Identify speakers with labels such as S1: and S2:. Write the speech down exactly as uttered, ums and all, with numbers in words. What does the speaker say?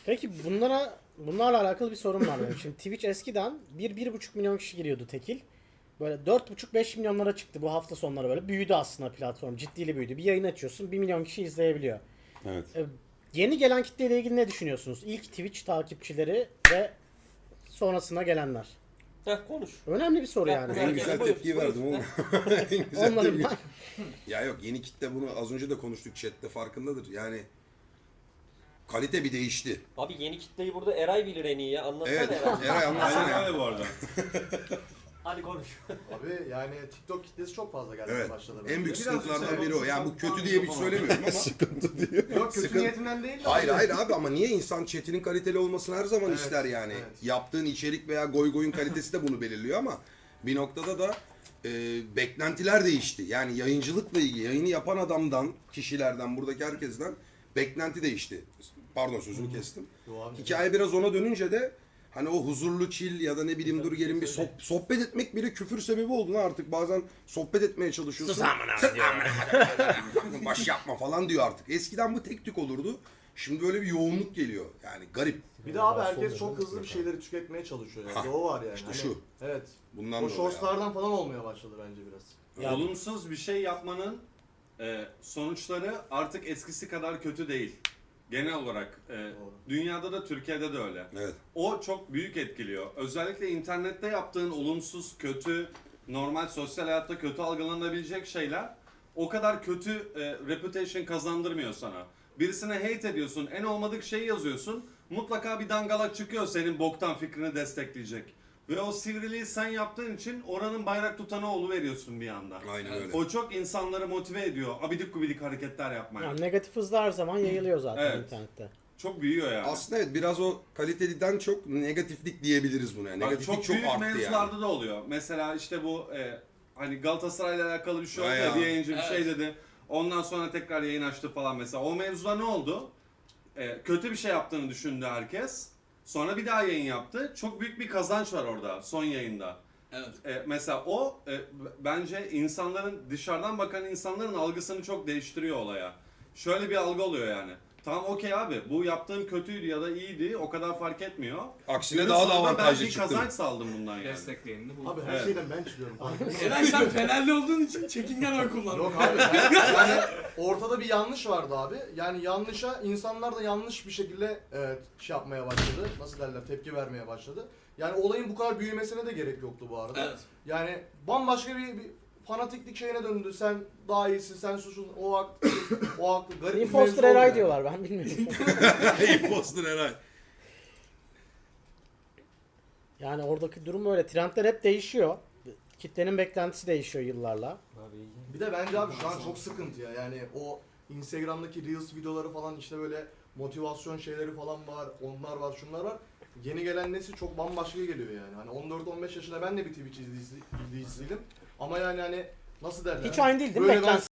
S1: Peki bunlara bunlarla alakalı bir sorun var benim. Şimdi Twitch eskiden bir bir buçuk milyon kişi giriyordu tekil. Böyle dört buçuk beş milyonlara çıktı bu hafta sonları böyle. Büyüdü aslında platform. Ciddiyle büyüdü. Bir yayın açıyorsun bir milyon kişi izleyebiliyor.
S2: Evet.
S1: Ee, yeni gelen kitleyle ilgili ne düşünüyorsunuz? İlk Twitch takipçileri ve sonrasına gelenler.
S3: Heh konuş.
S1: Önemli bir soru
S3: Bak,
S1: yani.
S3: bu
S2: En
S3: Buyur,
S2: güzel
S3: buyur,
S2: tepkiyi
S3: buyur.
S2: verdim oğlum. En güzel
S1: Onların
S2: tepki.
S1: ben...
S2: Ya yok, yeni kitle bunu az önce de konuştuk chatte, farkındadır. Yani kalite bir değişti.
S3: Abi yeni kitleyi burada Eray bilir en iyi ya. Anlatsana
S2: Evet.
S3: Eray.
S2: Eray anlatsana
S4: Aynen
S2: ya.
S4: öyle bu arada.
S3: Hadi konuş.
S5: Abi yani TikTok kitlesi çok fazla gelmeye
S2: Evet.
S5: başladı.
S2: En büyük
S4: Biraz
S2: sıkıntılardan
S4: işte
S2: biri o. Yani bu kötü diye bir söylemiyorum ama. Sıkıntı diyor.
S5: Yok kötü
S2: Sıkıntı-
S5: niyetinden değil de.
S2: Hayır
S5: abi.
S2: hayır abi, ama niye insan chatinin kaliteli olmasını her zaman
S5: Evet,
S2: ister yani.
S5: evet.
S2: Yaptığın içerik veya goy goyun kalitesi de bunu belirliyor ama bir noktada da e, beklentiler değişti. Yani yayıncılıkla ilgili yayını yapan adamdan, kişilerden, buradaki herkesten beklenti değişti. Pardon, sözünü kestim.
S5: Yo abi.
S2: Hikaye biraz ona dönünce de hani o huzurlu chill ya da ne bileyim dur gelin bir soh- sohbet etmek bile küfür sebebi oldu lan artık. Bazen sohbet etmeye çalışıyorsun. Sus amına baş yapma falan diyor artık. Eskiden bu tek tük olurdu. Şimdi böyle bir yoğunluk geliyor. Yani garip.
S5: Bir de abi herkes çok hızlı bir şeyleri tüketmeye çalışıyor yani.
S2: Ha,
S5: O var yani.
S2: işte
S5: Hani-
S2: şu.
S5: Evet.
S2: Bundan
S5: O
S2: dolayı
S5: shortslardan falan olmaya başladı bence biraz.
S1: Ya-
S4: Olumsuz bir şey yapmanın e, sonuçları artık eskisi kadar kötü değil. Genel olarak e,
S5: Doğru.
S4: dünyada da Türkiye'de de öyle.
S2: Evet.
S4: O çok büyük etkiliyor. Özellikle internette yaptığın olumsuz, kötü, normal sosyal hayatta kötü algılanabilecek şeyler o kadar kötü e, reputation kazandırmıyor sana. Birisine hate ediyorsun, en olmadık şeyi yazıyorsun. Mutlaka bir dangalak çıkıyor senin boktan fikrini destekleyecek. Ve o sivriliği sen yaptığın için oranın bayrak tutanı veriyorsun bir anda.
S2: Aynen öyle.
S4: O çok insanları motive ediyor. Abidik gubidik hareketler yapmaya.
S1: Yani negatif hızlı her zaman yayılıyor zaten
S4: Evet.
S1: internette.
S4: Çok büyüyor yani.
S2: Aslında evet, biraz o kaliteliden çok negatiflik diyebiliriz buna. Yani.
S4: Bak,
S2: Negatiflik
S4: çok,
S2: çok,
S4: büyük
S2: arttı
S4: mevzularda
S2: yani.
S4: da oluyor. Mesela işte bu e, hani Galatasaray'la alakalı bir şey oldu
S2: Ha
S4: ya,
S2: ya.
S4: bir yayıncı bir
S3: Evet.
S4: şey dedi. Ondan sonra tekrar yayın açtı falan mesela. O mevzuda ne oldu? E, kötü bir şey yaptığını düşündü herkes. Sonra bir daha yayın yaptı. Çok büyük bir kazanç var orada son yayında.
S6: Evet.
S4: E, mesela o e, b- bence insanların, dışarıdan bakan insanların algısını çok değiştiriyor olaya. Şöyle bir algı oluyor yani. Tamam okey abi, bu yaptığım kötüydü ya da iyiydi, o kadar fark etmiyor.
S2: Aksine
S4: Günün
S2: daha da
S4: sonunda
S2: avantajlı
S4: ben bir
S2: çıktım.
S4: kazanç saldım bundan yani.
S6: Destekleyenini buldum.
S5: Abi her
S4: Evet.
S5: şeyden ben çıkıyorum.
S6: Eren sen Fenerli olduğun için çekingen oy kullandın.
S5: Yok abi ben, yani ortada bir yanlış vardı abi. Yani yanlışa insanlar da yanlış bir şekilde evet, şey yapmaya başladı. Nasıl derler, tepki vermeye başladı. Yani olayın bu kadar büyümesine de gerek yoktu bu arada.
S6: Evet.
S5: Yani bambaşka bir, bir fanatiklik şeyine döndü. Sen daha iyisin, sen suçlusun, o haklı, o haklı. Garip bir
S1: Imposter
S5: mevzu oldu
S1: Eray
S5: yani.
S1: diyorlar ben bilmiyorum.
S2: Imposter Eray.
S1: Yani oradaki durum öyle. Trendler hep değişiyor. Kitlenin beklentisi değişiyor yıllarla.
S3: Abi iyi.
S5: Bir de bence abi şu an çok sıkıntı ya. Yani o Instagram'daki Reels videoları falan, işte böyle motivasyon şeyleri falan var. Onlar var, şunlar var. Yeni gelen nesil çok bambaşka geliyor yani. Hani on dört on beş yaşında ben de bir Twitch izleyici- izleyicisiydim. Ama yani hani nasıl derler?
S1: Hiç aynı değil değil mi?
S5: Böyle ben
S1: Beklentisi